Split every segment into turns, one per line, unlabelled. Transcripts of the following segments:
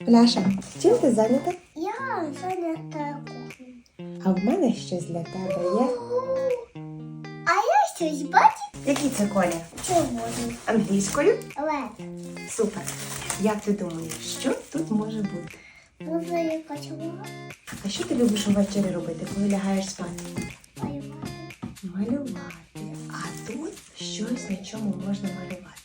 Ляша, чим ти зайнята?
Я зайнята кухнею.
А в мене щось для тебе є.
А я щось бачу
Який це колір?
червоний.
Англійською?
Лед.
Супер. Як ти думаєш, що тут може бути?
Може якась увага?
А що ти любиш увечері робити, коли лягаєш спати?
Малювати.
Малювати. А тут щось, на чому можна малювати.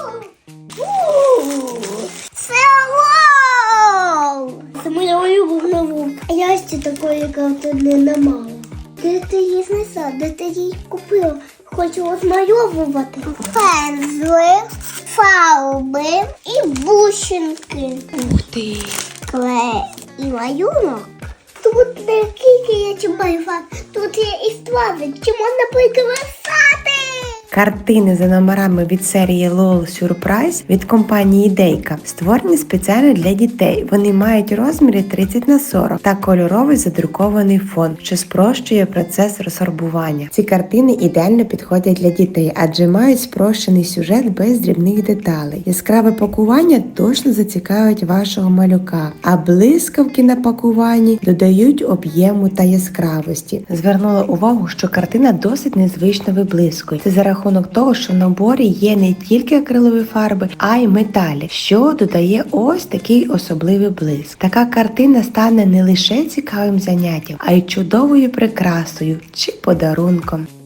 Це вау! Це моя улюблена вовка. А я ще такої картини не мала. Де ти її знайшла? Де ти її купила? Хочу розмальовувати. Пензли, фарби і бусинки.
Ух ти!
Клей і малюнок. Тут не тільки є чим малювати, тут є і страви, чи можна прикрасати.
Картини за номерами від серії LOL Surprise від компанії Дейка створені спеціально для дітей. Вони мають розміри 30х40 та кольоровий задрукований фон, що спрощує процес розфарбування. Ці картини ідеально підходять для дітей, адже мають спрощений сюжет без дрібних деталей. Яскраве пакування точно зацікавить вашого малюка, а блискавки на пакуванні додають об'єму та яскравості. Звернула увагу, що картина досить незвично виблискує. Це за рахунок того, що в наборі є не тільки акрилові фарби, а й металік, що додає ось такий особливий блиск. Така картина стане не лише цікавим заняттям, а й чудовою прикрасою чи подарунком.